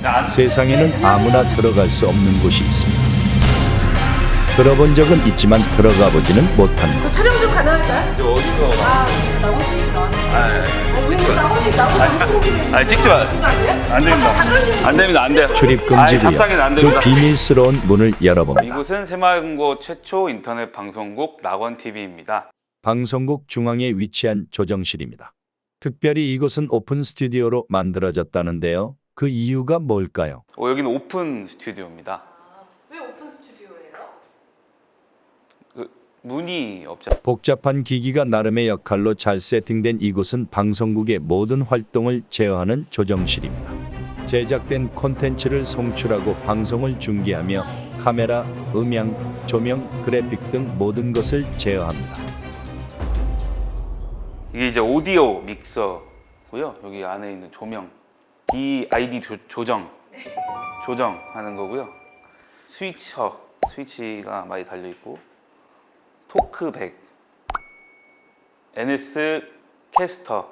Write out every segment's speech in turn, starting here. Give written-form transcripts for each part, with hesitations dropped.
세상에는 아무나 들어갈 수 없는 곳이 있습니다. 들어본 적은 있지만 들어가 보지는 못한 곳. 촬영 좀 가능할까요? 이제 어디서? 나머지 나머지 찍지 마. 안 됩니다. 안 됩니다. 안 돼요. 출입 금지구역. 잡상에는 안 그 됩니다. 비밀스러운 문을 열어봅니다. 이곳은 새마을금고 최초 인터넷 방송국 낙원TV입니다. 방송국 중앙에 위치한 조정실입니다. 특별히 이곳은 오픈 스튜디오로 만들어졌다는데요. 그 이유가 뭘까요? 여기는 오픈 스튜디오입니다. 왜 오픈 스튜디오예요? 문이 없죠. 복잡한 기기가 나름의 역할로 잘 세팅된 이곳은 방송국의 모든 활동을 제어하는 조정실입니다. 제작된 콘텐츠를 송출하고 방송을 중계하며 카메라, 음향, 조명, 그래픽 등 모든 것을 제어합니다. 이게 이제 오디오 믹서고요. 여기 안에 있는 조명, DID 조정하는 거고요. 스위치가 많이 달려 있고, 토크백, NS 캐스터,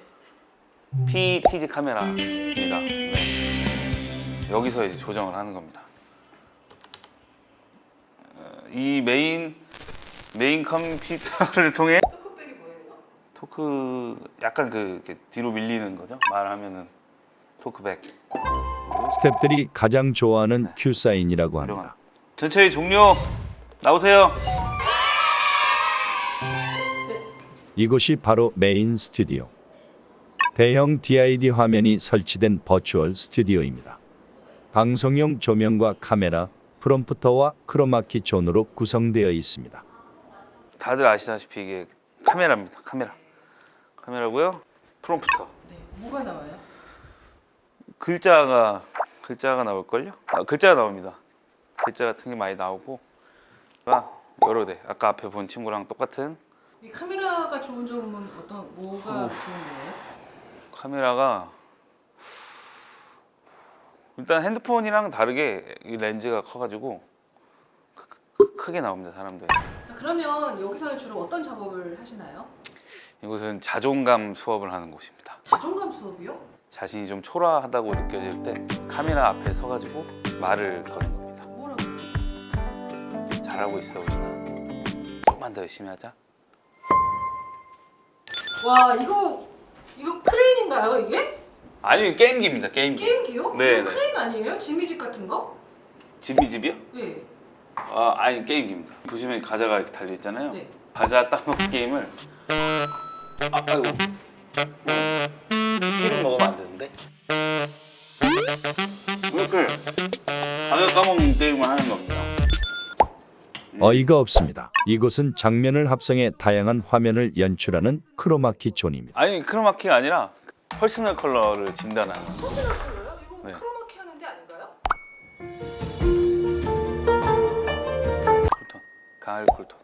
PTZ 카메라입니다. 네. 여기서 이제 조정을 하는 겁니다. 이 메인 컴퓨터를 통해 토크백이 뭐예요? 토크 약간 이렇게 뒤로 밀리는 거죠. 말하면은 토크백. 스태프들이 가장 좋아하는 큐 사인이라고 합니다. 전체의 종료. 나오세요. 이곳이 바로 메인 스튜디오. 대형 DID 화면이 설치된 버추얼 스튜디오입니다. 방송용 조명과 카메라, 프롬프터와 크로마키 존으로 구성되어 있습니다. 다들 아시다시피 이게 카메라입니다. 카메라고요. 프롬프터. 네, 뭐가 나와요? 글자가 나올걸요? 글자가 나옵니다. 글자 같은 게 많이 나오고 여러 대. 아까 앞에 본 친구랑 똑같은 이 카메라가 좋은 점은 뭐가 좋은 거예요? 카메라가 일단 핸드폰이랑 다르게 이 렌즈가 커가지고 크게 나옵니다. 사람들. 자, 그러면 여기서는 주로 어떤 작업을 하시나요? 이곳은 자존감 수업을 하는 곳입니다. 자존감 수업이요? 자신이 좀 초라하다고 느껴질 때 카메라 앞에 서가지고 말을 거는 겁니다. 뭐라고? 잘하고 있어 우진아. 조금만 더 열심히 하자. 와, 이거 크레인인가요, 이게? 아니 게임기입니다. 게임기. 게임기요? 네, 이거 네. 크레인 아니에요? 지미집 같은 거? 집이요? 네. 아니 게임기입니다. 보시면 과자가 이렇게 달려 있잖아요. 네. 과자 따먹기 게임을 아이고 실은 먹으면 안 되는데 이렇게 과자 까먹는 게임을 하는 겁니다. 어이가 없습니다. 이곳은 장면을 합성해 다양한 화면을 연출하는 크로마키 존입니다. 아니 크로마키가 아니라 퍼스널 컬러를 진단하는. 퍼스널 컬러요? 이거 네. 크로마키 하는 데 아닌가요? 쿨톤, 가을 쿨톤.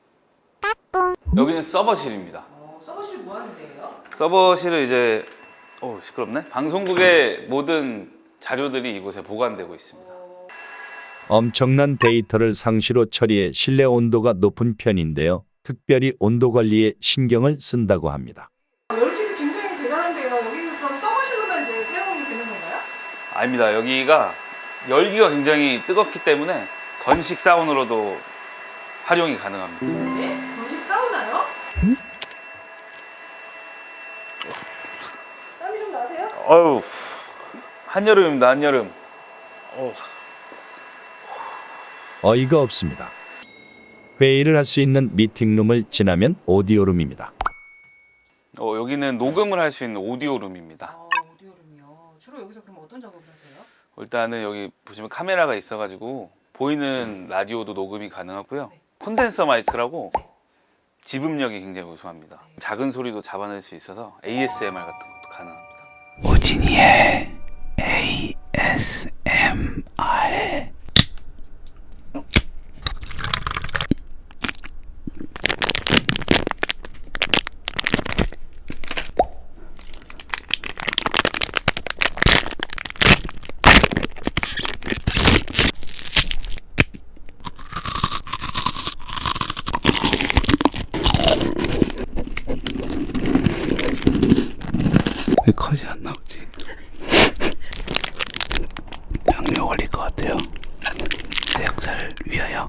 여기는 서버실입니다. 서버실 뭐 하는 데예요? 서버실은 이제 시끄럽네. 방송국의 모든 자료들이 이곳에 보관되고 있습니다. 엄청난 데이터를 상시로 처리해 실내 온도가 높은 편인데요. 특별히 온도 관리에 신경을 쓴다고 합니다. 열기도 굉장히 대단한데요. 여기는 그럼 서버실로만 이제 사용이 되는 건가요? 아닙니다. 여기가 열기가 굉장히 뜨겁기 때문에 건식 사운으로도 활용이 가능합니다. 네? 건식 사우나요? 땀이 좀 나세요? 어우, 한여름입니다. 한여름. 어이가 없습니다. 회의를 할 수 있는 미팅룸을 지나면 오디오룸입니다. 여기는 녹음을 할 수 있는 오디오룸입니다. 오디오룸이요. 주로 여기서 그럼 어떤 작업을 하세요? 일단은 여기 보시면 카메라가 있어가지고 보이는 라디오도 녹음이 가능하고요. 콘덴서 마이크라고 지음력이 굉장히 우수합니다. 작은 소리도 잡아낼 수 있어서 ASMR 같은 것도 가능합니다. 오진이의 ASMR. 왜 컷이 안 나오지?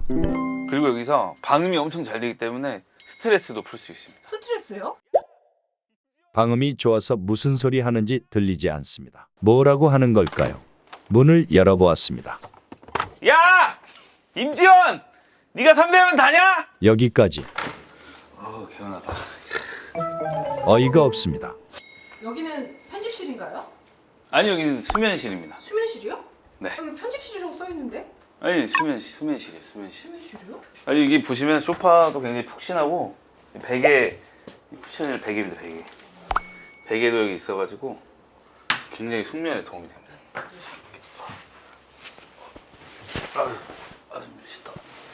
그리고 여기서 방음이 엄청 잘 되기 때문에 스트레스도 풀 수 있습니다. 스트레스요? 방음이 좋아서 무슨 소리 하는지 들리지 않습니다. 뭐라고 하는 걸까요? 문을 열어보았습니다. 야! 임지원! 네가 선배면 다냐? 여기까지. 개운하다. 어이가 없습니다. 여기는 편집실인가요? 아니 여기는 수면실입니다. 수면실이요? 네. 여기 편집실이라고 써 있는데? 아니 수면실이에요. 수면실. 수면실이요? 아니 여기 보시면 소파도 굉장히 푹신하고 베개 쿠션이 베개입니다. 베개. 베개도 여기 있어가지고 굉장히 숙면에 도움이 됩니다. 멋있다.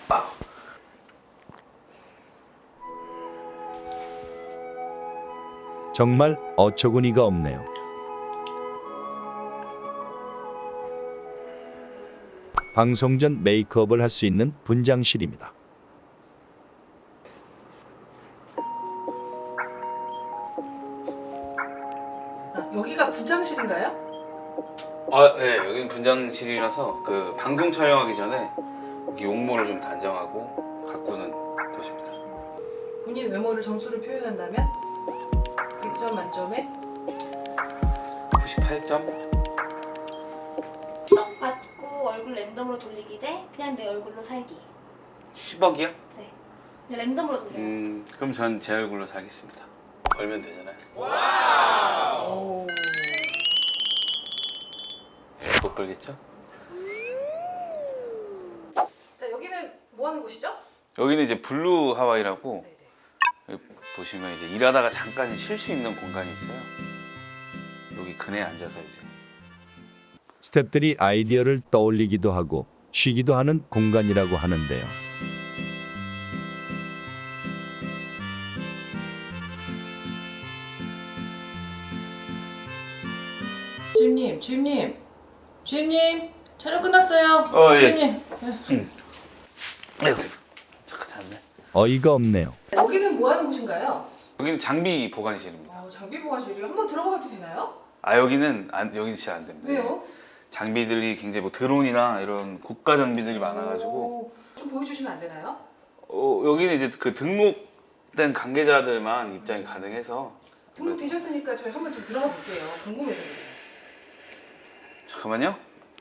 정말 어처구니가 없네요. 방송 전 메이크업을 할 수 있는 분장실입니다. 여기가 분장실인가요? 네, 여기는 분장실이라서 그 방송 촬영하기 전에 여기 용모를 좀 단정하고 가꾸는 곳입니다. 본인 외모를 점수를 표현한다면 100점 만점에 98점? 떡 받고 얼굴 랜덤으로 돌리기 대 그냥 내 얼굴로 살기. 10억이요? 네. 그냥 랜덤으로 돌려요. 그럼 전 제 얼굴로 살겠습니다. 걸면 되잖아요. 오. 못 걸겠죠? 자, 여기는 뭐 하는 곳이죠? 여기는 이제 블루 하와이라고 네네. 여기 보시면 이제 일하다가 잠깐 쉴 수 있는 공간이 있어요. 여기 그네 앉아서 이제 스태프들이 아이디어를 떠올리기도 하고 쉬기도 하는 공간이라고 하는데요. 주임님, 촬영 끝났어요. 예. 주임님. 아이고 잠깐 잤네. 어이가 없네요. 여기는 뭐 하는 곳인가요? 여기는 장비 보관실입니다. 장비 보관실이요. 한번 들어가봐도 되나요? 여기는 여기는 진짜 안 됩니다. 왜요? 장비들이 굉장히 뭐 드론이나 이런 고가 장비들이 많아가지고 오, 좀 보여주시면 안 되나요? 여기는 이제 그 등록된 관계자들만 입장이 가능해서 등록되셨으니까 저희 한번 좀 들어가 볼게요. 궁금해서. 잠깐만요.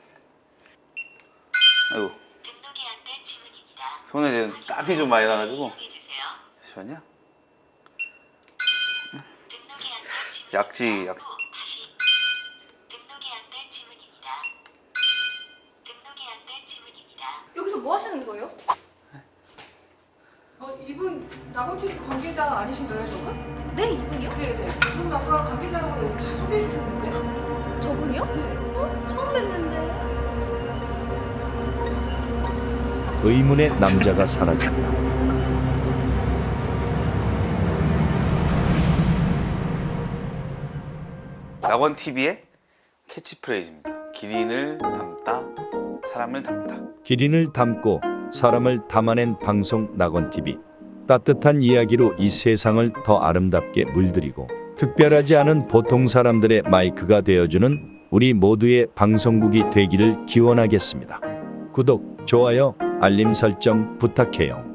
아이고 등록이 안 된 지문입니다. 손에 지금 땀이 좀 많이 나가지고 해주세요. 잠시만요. 등록이 안 된 지문. 약지 약. 다시. 등록이 안 된 지문입니다. 등록이 안 된 지문입니다. 여기서 뭐 하시는 거예요? 이분 나고TV 관계자 아니신가요, 저분? 네, 이분이요? 네네. 이분 아까 관계자라고 여기 다 소개해 주셨는데. 저분이요? 처음 뵀는데. 의문의 남자가 사라집니다. 낙원 TV의 캐치프레이즈입니다. 기린을 담다, 사람을 담다. 기린을 담고 사람을 담아낸 방송 낙원TV. 따뜻한 이야기로 이 세상을 더 아름답게 물들이고 특별하지 않은 보통 사람들의 마이크가 되어주는 우리 모두의 방송국이 되기를 기원하겠습니다. 구독, 좋아요, 알림 설정 부탁해요.